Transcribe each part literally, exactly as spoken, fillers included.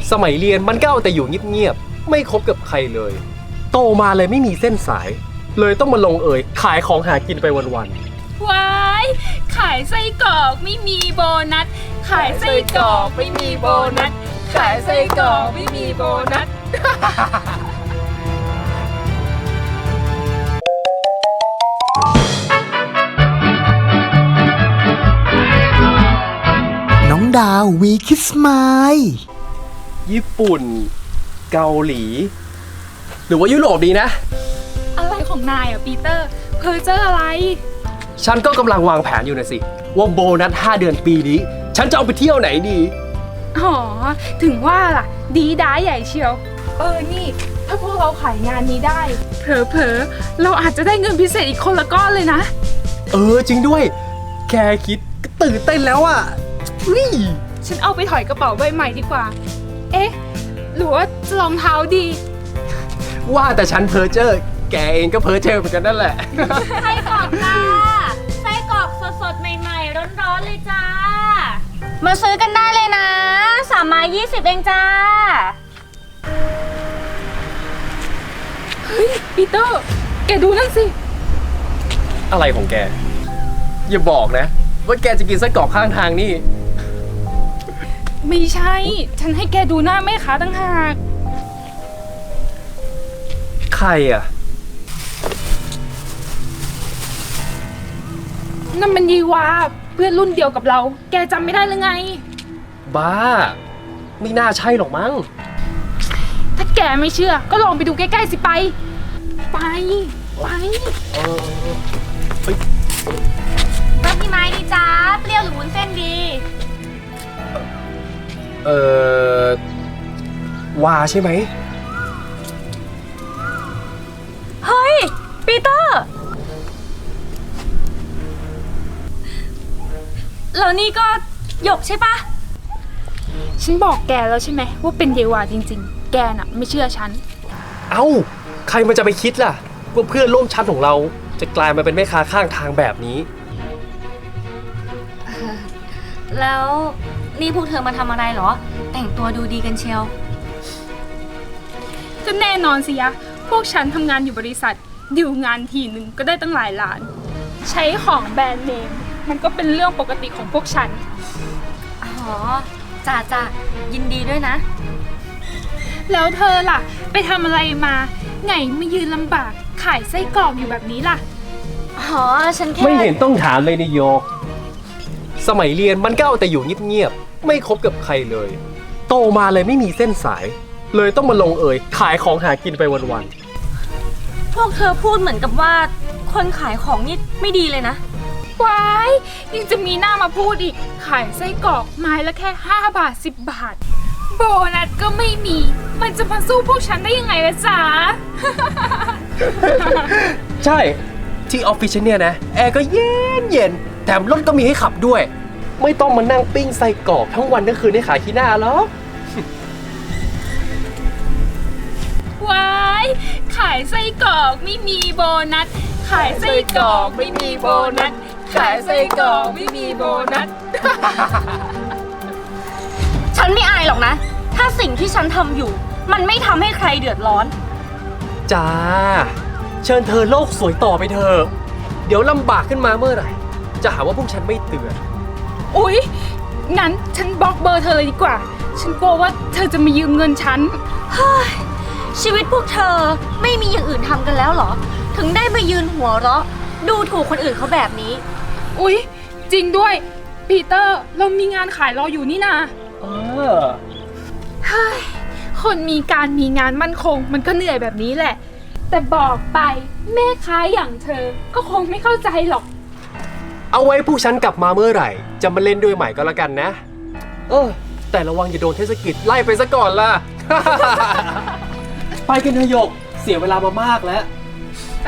สมัยเรียนมันก็เอาแต่อยู่เงียบๆไม่คบกับใครเลยโตมาเลยไม่มีเส้นสายเลยต้องมาลงเอยขายของหากินไปวันว้ายขายไส้กรอกไม่มีโบนัสขายไส้กรอกไม่มีโบนัสขายไส้กรอกไม่มีโบนัสน้องดาววีคิสมายๆญี่ปุ่นเกาหลีหรือว่ายุโรปดีนะอะไรของนายอ่ะปีเตอร์เพอเจออะไรฉันก็กำลังวางแผนอยู่นะสิว่าโบนัสห้าเดือนปีนี้ฉันจะเอาไปเที่ยวไหนดีอ๋อถึงว่าล่ะดีด้าใหญ่เชียวเออนี่ถ้าพวกเราขายงานนี้ได้เผลอๆเราอาจจะได้เงินพิเศษอีกคนละก้อนเลยนะเออจริงด้วยแค่คิดก็ตื่นเต้นแล้วอ่ะนี่ฉันเอาไปถอยกระเป๋าใบใหม่ดีกว่าเอ๊ะหรือว่าจะรองเท้าดีว่าแต่ฉันเพ้อเจ้อแกเองก็เพ้อเจ้อเหมือนกันนั่นแหละไส้กรอกจ้าไส้กรอกสดๆใหม่ๆร้อนๆเลยจ้ามาซื้อกันได้เลยนะสามไม้ยี่สิบเองจ้าเฮ้ยปีเตอร์แกดูนั่นสิอะไรของแกอย่าบอกนะว่าแกจะกินไส้กรอกข้างทางนี่ไม่ใช่ฉันให้แกดูหน้าแม่ค้าตั้งหากใครอ่ะนั่นมันยีวาเพื่อนรุ่นเดียวกับเราแกจำไม่ได้หรือไงบ้าไม่น่าใช่หรอกมั้งถ้าแกไม่เชื่อก็ลองไปดูใกล้ๆสิไปไปไปเออเฮ้ยรับพี่ไม้ดีจ้าเปรี้ยวหรือวุ้นเส้นดีเออวาใช่ไหมเฮ้ยปีเตอร์แล้วนี่ก็หยกใช่ปะฉันบอกแกแล้วใช่ไหมว่าเป็นเยวาจริงๆแกน่ะไม่เชื่อฉันเอ้าใครมันจะไปคิดล่ะว่าเพื่อนร่วมชั้นของเราจะกลายมาเป็นแม่ค้าข้างทางแบบนี้แล้วนี่พวกเธอมาทำอะไรเหรอแต่งตัวดูดีกันเชียวก็แน่นอนสิยะพวกฉันทำงานอยู่บริษัทดิวงานทีหนึ่งก็ได้ตั้งหลายล้านใช้ของแบรนด์เนมมันก็เป็นเรื่องปกติของพวกฉันอ๋อจ้าจ้ายินดีด้วยนะแล้วเธอล่ะไปทำอะไรมาไงมายืนลำบากขายไส้กรอกอยู่แบบนี้ล่ะอ๋อฉันแค่ไม่เห็นต้องถามเลยนายโยกสมัยเรียนมันก็เอาแต่อยู่เงียบๆไม่คบกับใครเลยโตมาเลยไม่มีเส้นสายเลยต้องมาลงเอยขายของหากินไปวันๆพวกเธอพูดเหมือนกับว่าคนขายของนี่ไม่ดีเลยนะว้ายยังจะมีหน้ามาพูดอีกขายไส้กรอกไม้ละแค่ห้าบาทสิบบาทโบนัสก็ไม่มีมันจะมาสู้พวกฉันได้ยังไงล่ะจ๊ะใช่ที่ออฟฟิศเนี่ยนะแอร์ก็เย็นเย็นแถมรถก็มีให้ขับด้วยไม่ต้องมานั่งปิ้งไส้กรอกทั้งวันทั้งคืนให้ขายขี้หน้าหรอกว้ายขายไส้กรอกไม่มีโบนัสขายไส้กรอกไม่มีโบนัสขายไส้กรอกไม่มีโบนัสฉันไม่อายหรอกนะถ้าสิ่งที่ฉันทำอยู่มันไม่ทำให้ใครเดือดร้อนจ้าเชิญเธอโลกสวยต่อไปเถอะเดี๋ยวลำบากขึ้นมาเมื่อไหร่จะหาว่าพวกฉันไม่เตือนอุ๊ยงั้นฉันบล็อกเบอร์เธอเลยดีกว่าฉันกลัวว่าเธอจะมายืมเงินฉันเฮ้ยชีวิตพวกเธอไม่มีอย่างอื่นทำกันแล้วเหรอถึงได้มายืนหัวเราะดูถูกคนอื่นเขาแบบนี้อุ๊ยจริงด้วยปีเตอร์เรามีงานขายรออยู่นี่นาเออเฮ้ยคนมีการมีงานมั่นคงมันก็เหนื่อยแบบนี้แหละแต่บอกไปแม่ค้าอย่างเธอก็คงไม่เข้าใจหรอกเอาไว้ผู้ฉันกลับมาเมื่อไหร่จะมาเล่นด้วยใหม่ก็แล้วกันนะเออแต่ระวังอย่าโดนเทศกิจไล่ไปซะก่อนล่ะ ไปกันเถอะหยกเสียเวลามามากแล้วไป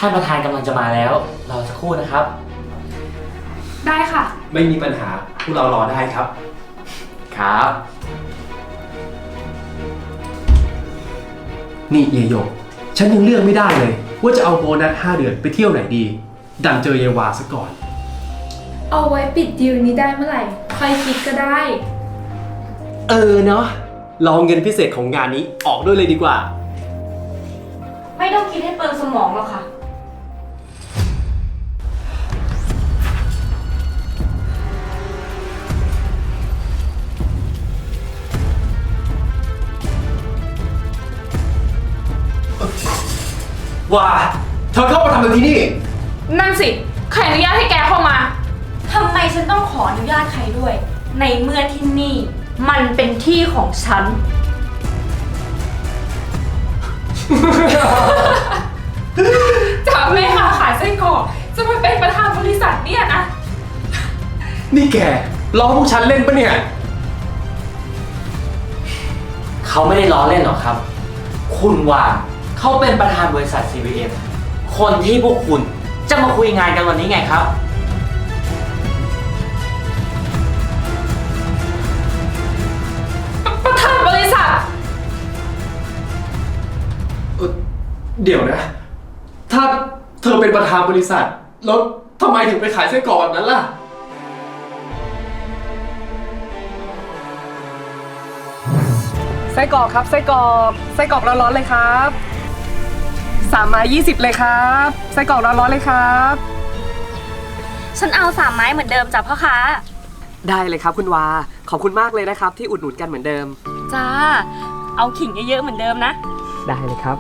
ท่านประธานกำลังจะมาแล้วรอสักครู่นะครับได้ค่ะไม่มีปัญหาพวกเรารอได้ครับครับนี่เยโยกฉันยังเลือกไม่ได้เลย ว่าจะเอาโบนัสห้าเดือนไปเที่ยวไหนดี ดันเจอเยวาซะก่อนเอาไว้ปิดดีลนี้ได้เมื่อไหร่ค่อยคิดก็ได้เออเนาะลองเงินพิเศษของงานนี้ออกด้วยเลยดีกว่าไม่ต้องคิดให้เปิดสมองหรอกค่ะว่าเธอเข้ามาทำอะไรที่นี่นั่นสิ ใครอนุญาตให้แกเข้ามาทำไมฉันต้องขออนุญาตใครด้วย ในเมื่อที่นี่ มันเป็นที่ของฉันจากแม่ค้าขายไส้กรอกจะมาเป็นประธานบริษัทเนี่ยนะนี่แกล้อพวกฉันเล่นปะเนี่ยเขาไม่ได้ล้อเล่นหรอกครับ คุณว่าเขาเป็นประธานบริษัท ซี วี เอ็ม คนที่พวกคุณจะมาคุยงานกันวันนี้ไงครับประธานบริษัทเอ่อเดี๋ยวนะ ถ้าเธอเป็นประธานบริษัท แล้วทำไมถึงไปขายไส้กรอกแบบนั้นล่ะไส้กรอกครับไส้กรอกไส้กรอกร้อนๆเลยครับสามไม้ยี่สิบเลยครับไส้กรอกร้อนๆเลยครับฉันเอาสามไม้เหมือนเดิมจ้ะพ่อค้าได้เลยครับคุณวาขอบคุณมากเลยนะครับที่อุดหนุนกันเหมือนเดิมจ้า เอาขิงเยอะๆเหมือนเดิมนะได้เลยครับ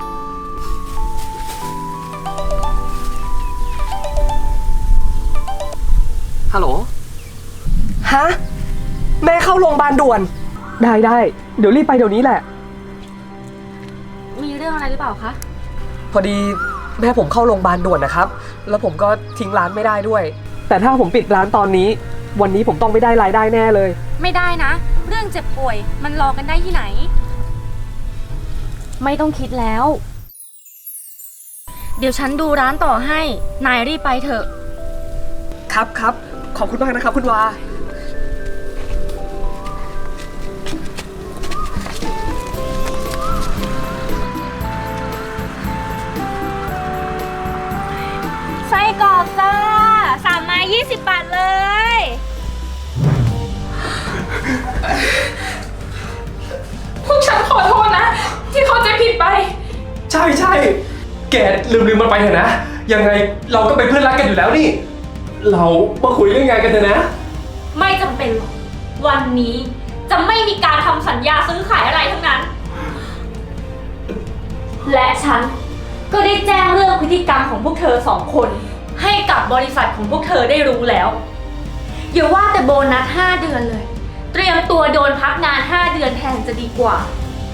ฮัลโหลฮะแม่เข้าโรงพยาบาลด่วน ได้ได้เดี๋ยวรีบไปเดี๋ยวนี้แหละมีเรื่องอะไรหรือเปล่าคะพอดีแม่ผมเข้าโรงพยาบาลด่วนนะครับ แล้วผมก็ทิ้งร้านไม่ได้ด้วย แต่ถ้าผมปิดร้านตอนนี้ วันนี้ผมต้องไม่ได้รายได้แน่เลยไม่ได้นะ เรื่องเจ็บป่วยมันรอกันได้ที่ไหน ไม่ต้องคิดแล้ว เดี๋ยวฉันดูร้านต่อให้ นายรีบไปเถอะครับครับขอบคุณมากนะครับคุณวาไส้กรอกจ้าสามไม้ยี่สิบบาทเลยพวกฉันขอโทษนะ ที่เข้าใจผิดไปใช่ใช่แกลืมลืมมันไปเถอะนะ ยังไงเราก็เป็นเพื่อนรักกันอยู่แล้วนี่ เรามาคุยเรื่องงานกันเถอะนะไม่จำเป็นหรอก วันนี้จะไม่มีการทำสัญญาซื้อขายอะไรทั้งนั้น และฉันก็ได้แจ้งเรื่องพฤติกรรมของพวกเธอสองคน ให้กับบริษัทของพวกเธอได้รู้แล้ว อย่าว่าแต่โบนัสห้าเดือนเลย เตรียมตัวโดนพักงานห้าเดือนแทนจะดีกว่า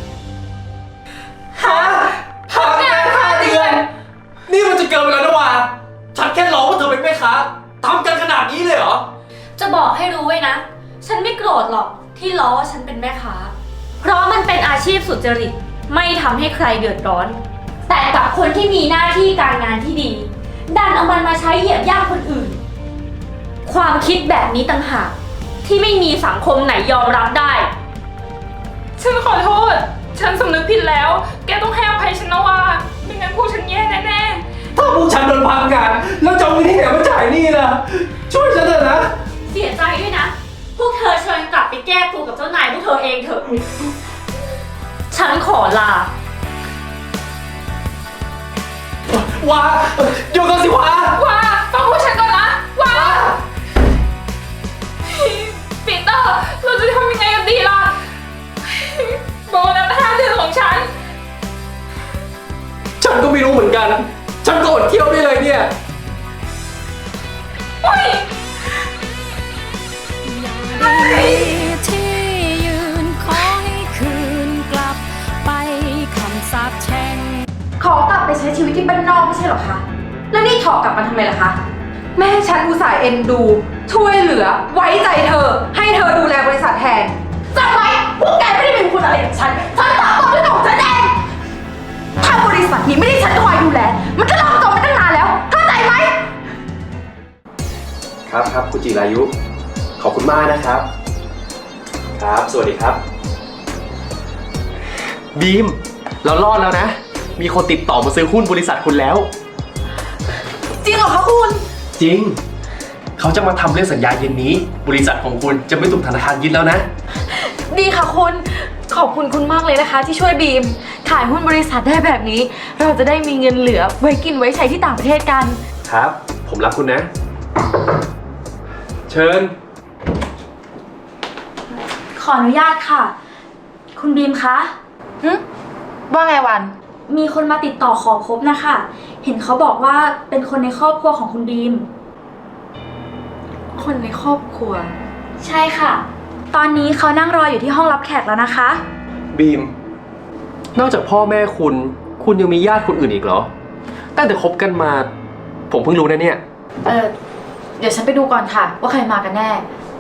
ฮะพักงานห้าเดือน นี่มันจะเกินไปแล้วนะวะฉันแค่ร้องว่าเธอเป็นแม่ค้าทำกันขนาดนี้เลยเหรอจะบอกให้รู้ไว้นะ ฉันไม่โกรธหรอกที่ล้อว่าฉันเป็นแม่ค้า เพราะมันเป็นอาชีพสุจริต ไม่ทำให้ใครเดือดร้อน แต่กับคนที่มีหน้าที่การงานที่ดี ดันเอามันมาใช้เหยียบย่ำคนอื่น ความคิดแบบนี้ต่างหากที่ไม่มีสังคมไหนยอมรับได้ฉันขอโทษ ฉันสำนึกผิดแล้ว แกต้องให้อภัยฉันนะว่าไม่งั้นพวกฉันแย่แน่ๆถ้าพวกฉันโดนพักงานแล้วจะเอาเงินที่ไหนมาจ่ายหนี่ล่ะ ช่วยฉันเถอะนะเสียใจด้วยนะ พวกเธอเชิญกลับไปแก้ตัวกับเจ้านายพวกเธอเองเถอะ ฉันขอลาว้าเดี๋ยวก่อนสิว้าว่าฟังพวกฉันก่อนนะว่าปีเตอร์เราจะทำยังไงกันดีล่ะโบนัสห้าเดือนของฉันฉันก็ไม่รู้เหมือนกัน ฉันก็อดเที่ยวได้เลยเนี่ยโอ๊ยที่ยืนขอให้คืนกลับไปคำสาปแช่งขอกลับไปใช้ชีวิตที่บ้านนอกไม่ใช่เหรอคะ แล้วนี่ถอกกลับมาทำไมล่ะคะ แม่ฉันอุตส่าห์เอ็นดู ช่วยเหลือ ไว้ใจเธอ ให้เธอดูแลบริษัทแทนจำไว้พวกแกไม่ได้เป็นคุณอะไรกับฉัน ฉันตอบตรงด้วยของฉันเองถ้าบริษัทนี้ไม่ได้ฉันคอยดูแล มันก็ล่มจมไปตั้งนานแล้วครับครับคุณจิรายุ ขอบคุณมากนะครับ ครับ สวัสดีครับ บีม เรารอดแล้วนะ มีคนติดต่อมาซื้อหุ้นบริษัทคุณแล้วจริงเหรอคะคุณจริง เขาจะมาทำเรื่องสัญญาเย็นนี้ บริษัทของคุณจะไม่ถูกธนาคารยึดแล้วนะดีค่ะคุณ ขอบคุณคุณมากเลยนะคะ ที่ช่วยบีม ขายหุ้นบริษัทได้แบบนี้ เราจะได้มีเงินเหลือไว้กินไว้ใช้ที่ต่างประเทศกันครับ ผมรักคุณนะ เชิญขออนุญาตค่ะ คุณบีมคะหึว่าไงวันมีคนมาติดต่อขอพบนะคะ เห็นเขาบอกว่าเป็นคนในครอบครัวของคุณบีมคนในครอบครัวใช่ค่ะ ตอนนี้เขานั่งรออยู่ที่ห้องรับแขกแล้วนะคะบีม นอกจากพ่อแม่คุณ คุณยังมีญาติคนอื่นอีกเหรอ ตั้งแต่คบกันมา ผมเพิ่งรู้นะเนี่ยเออเดี๋ยวฉันไปดูก่อนค่ะ ว่าใครมากันแน่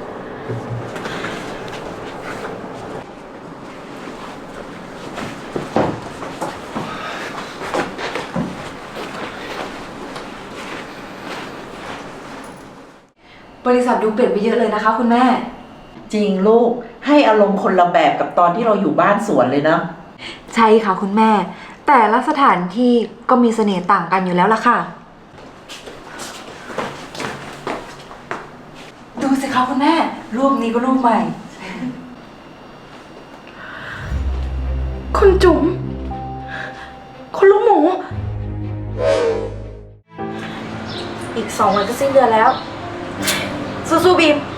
บริษัทดูเปลี่ยนไปเยอะเลยนะคะคุณแม่จริงลูกให้อารมณ์คนละแบบกับตอนที่เราอยู่บ้านสวนเลยนะใช่ค่ะคุณแม่ แต่ละสถานที่ก็มีเสน่ห์ต่างกันอยู่แล้วล่ะค่ะ ดูสิคะคุณแม่ รูปนี้ก็รูปใหม่ คุณจุ๋ม คุณลูกหมูอีกสองวันก็สิ้นเดือนแล้วสู้ๆบีม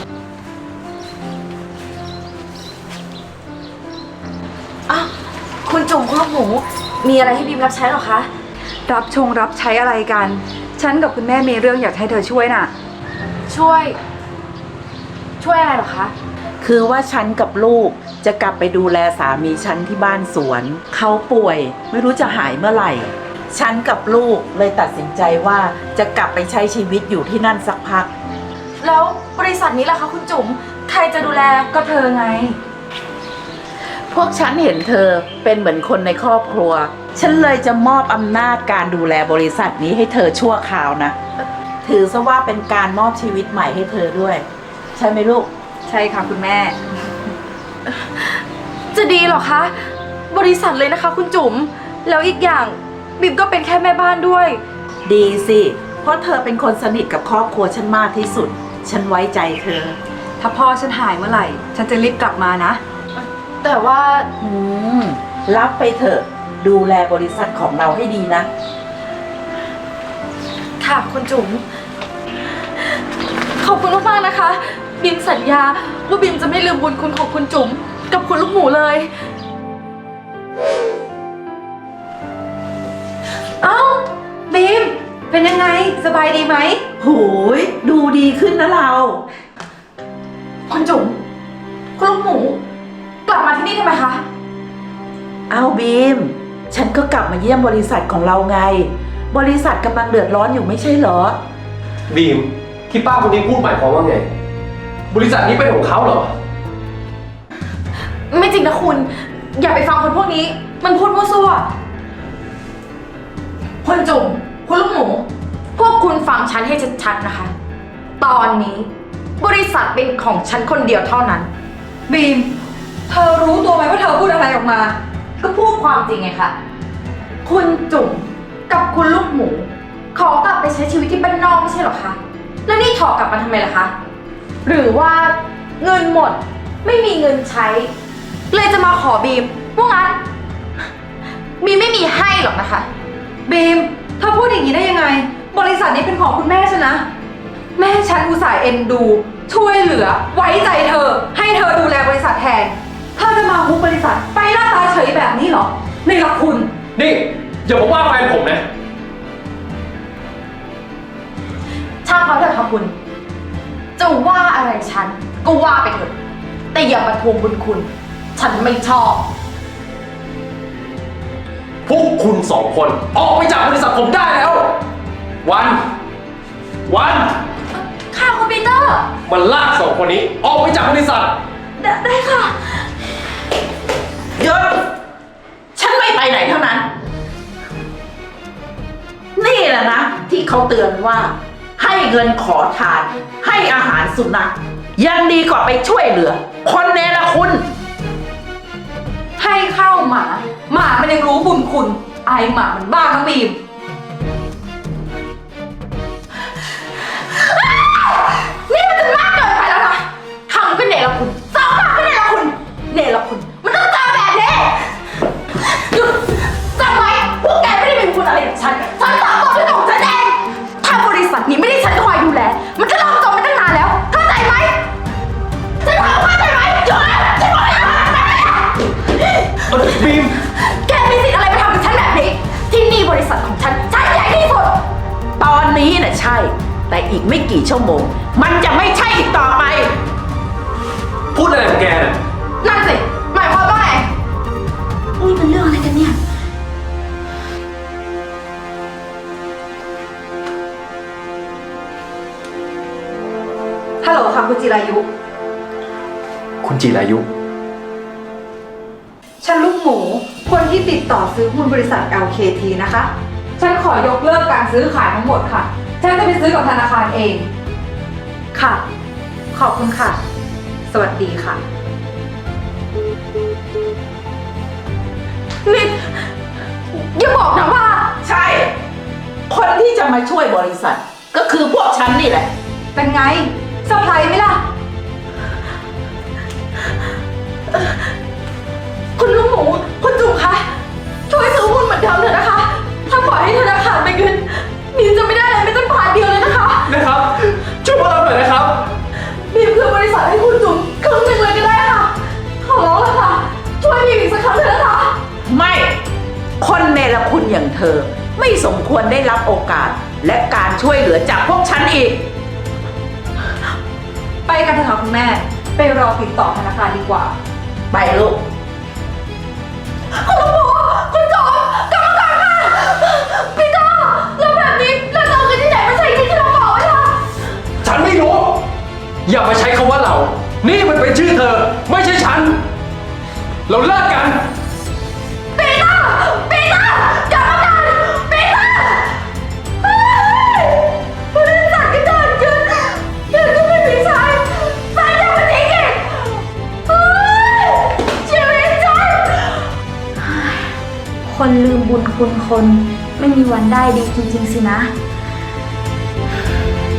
อ้าว คุณจุ๋มคุณลูกหมูมีอะไรให้บีมรับใช้หรอคะรับชงรับใช้อะไรกัน ฉันกับคุณแม่มีเรื่องอยากให้เธอช่วยน่ะ ช่วย ช่วยอะไรหรอคะคือว่าฉันกับลูกจะกลับไปดูแลสามีฉันที่บ้านสวน เขาป่วยไม่รู้จะหายเมื่อไหร่ ฉันกับลูกเลยตัดสินใจว่าจะกลับไปใช้ชีวิตอยู่ที่นั่นสักพักแล้วบริษัทนี้ล่ะคะคุณจุ๋ม ใครจะดูแลก็เธอไงพวกฉันเห็นเธอเป็นเหมือนคนในครอบครัว ฉันเลยจะมอบอำนาจการดูแลบริษัทนี้ให้เธอชั่วคราวนะ ถือซะว่าเป็นการมอบชีวิตใหม่ให้เธอด้วย ใช่ไหมลูกใช่ค่ะคุณแม่ จะดีเหรอคะ บริษัทเลยนะคะคุณจุ๋ม แล้วอีกอย่างบิมก็เป็นแค่แม่บ้านด้วยดีสิ เพราะเธอเป็นคนสนิทกับครอบครัวฉันมากที่สุด ฉันไว้ใจเธอถ้าพ่อฉันหายเมื่อไหร่ ฉันจะรีบกลับมานะ แต่ว่าอืม รับไปเถอะ ดูแลบริษัทของเราให้ดีนะค่ะคุณจุ๋ม ขอบคุณมากๆนะคะ บิมสัญญาว่าบิมจะไม่ลืมบุญคุณของคุณจุ๋มกับคุณลูกหมูเลย เอ้าบิมเป็นยังไงสบายดีไหมโหย ดูดีขึ้นนะเราคุณจุ๋มคุณลูกหมู กลับมาที่นี่ทำไมคะเอาบีม ฉันก็กลับมาเยี่ยมบริษัทของเราไง บริษัทกำลังเดือดร้อนอยู่ไม่ใช่เหรอบีม ที่ป้าคนนี้พูดหมายความว่าไง บริษัทนี้เป็นของเขาเหรอไม่จริงนะคุณ อย่าไปฟังคนพวกนี้ มันพูดมั่วซั่วคุณจุ๋มคุณลูกหมู พวกคุณฟังฉันให้ชัดๆนะคะ ตอนนี้ บริษัทเป็นของฉันคนเดียวเท่านั้น บีม เธอรู้ตัวไหมว่าเธอพูดอะไรออกมา ก็พูดความจริงไงคะคุณจุ๋มกับคุณลูกหมู ขอกลับไปใช้ชีวิตที่บ้านนอกไม่ใช่หรอคะ แล้วนี่ถอกกลับมาทำไมล่ะคะ หรือว่าเงินหมดไม่มีเงินใช้ เลยจะมาขอบีมว่างั้น บีมไม่มีให้หรอกนะคะ บีมเธอพูดอย่างนี้ได้ยังไง บริษัทนี้เป็นของคุณแม่ฉันนะ แม่ฉันอุตส่าห์เอ็นดู ช่วยเหลือ ไว้ใจเธอ ให้เธอดูแลบริษัทแทนเธอจะมาฮุบบริษัทไปหน้าตาเฉยแบบนี้เหรอในละคุณนี่อย่ามาว่าแฟนผมนะช่างเขาเถอะค่ะคุณ จะว่าอะไรฉันก็ว่าไปเถอะ แต่อย่ามาทวงบุญคุณ ฉันไม่ชอบพวกคุณสองคนออกไปจากบริษัทผมได้แล้ว วัน วันค่ะคุณปีเตอร์มันลากสองคนนี้ออกไปจากบริษัทได้ได้ค่ะหยุด ฉันไม่ไปไหนทั้งนั้น นี่แหละนะ ที่เขาเตือนว่า ให้เงินขอทาน ให้อาหารสุนัขยังดีกว่าไปช่วยเหลือ คนเนรคุณให้ข้าวหมา หมามันยังรู้บุญคุณ ไอหมามันบ้าน้องบีม นี่มันจะมากเกินไปแล้วนะทำก็เนรคุณสองปากก็เนรคุณ เนรคุณ มันต้องเจอแบบนี้หยุดจำไว้พวกแกไม่ได้เป็นคุณอะไรกับฉัน ฉันตอบตอบด้วยตัวของฉันเอง ถ้าบริษัทนี้ไม่ได้ฉันคอยดูแล มันจะล่มจมไปตั้งนานแล้ว เข้าใจไหมฉันถามว่าเข้าใจไหมหยุดฉันบอกให้หยุดบีมแกมีสิทธิ์อะไรมาทำกับฉันแบบนี้ ที่นี่บริษัทของฉัน ฉันใหญ่ที่สุดตอนนี้น่ะใช่ แต่อีกไม่กี่ชั่วโมง มันจะไม่ใช่อีกต่อไปพูดอะไรของแกน่ะนั่นสิ หมายความว่าไง นี่เป็นเรื่องอะไรกันเนี่ย ฮัลโหลค่ะคุณจิรายุคุณจิรายุฉันลูกหมู คนที่ติดต่อซื้อหุ้นบริษัท แอล เค ที นะคะ ฉันขอยกเลิกการซื้อขายทั้งหมดค่ะ ฉันจะไปซื้อกับธนาคารเอง ค่ะ ขอบคุณค่ะ สวัสดีค่ะ นี่อย่าบอกนะว่าใช่ คนที่จะมาช่วยบริษัท ก็คือพวกฉันนี่แหละเป็นไงเซอร์ไพรส์ไหมล่ะ คุณลูกหมู คุณจุ๋มคะ ช่วยซื้อหุ้นเหมือนเดิมเถอะนะคะ ถ้าปล่อยให้ธนาคารไปเงินบีมจะไม่ได้อะไรไม่ต้องผ่านเดียวเลยนะคะนะครับ ช่วยพวกเราหน่อยนะครับบีมคือบริษัทให้คุณจุ๋มครึ่งหนึ่งเลยก็ได้ค่ะ ขอร้องเลยค่ะ ช่วยบีมอีกสักครั้งเถอะนะคะไม่ คนเนรคุณอย่างเธอ ไม่สมควรได้รับโอกาส และการช่วยเหลือจากพวกฉันอีกไปกันเถอะค่ะคุณแม่ ไปรอติดต่อธนาคารดีกว่าไปลูกคุณลูกหมูคุณจอมกรรมการค่ะพี่ก้าแล้วแบบนี้เราจะเอาเงินที่ไหนมาใช้หนี้ที่เราบอกไว้ล่ะฉันไม่รู้ อย่ามาใช้คำว่าเรา นี่มันเป็นชื่อเธอ ไม่ใช่ฉัน เราเลิกกันปีเตอร์ปีเตอร์กรรมการปีเตอร์เฮ้ยบริษัทก็เกิดขึ้นเงินก็ไม่มีใช้ใช้ยังไม่ทิ้งอีกเฮ้ยชีวิตฉันคนลืมบุญคุณคนไม่มีวันได้ดีจริงๆสินะ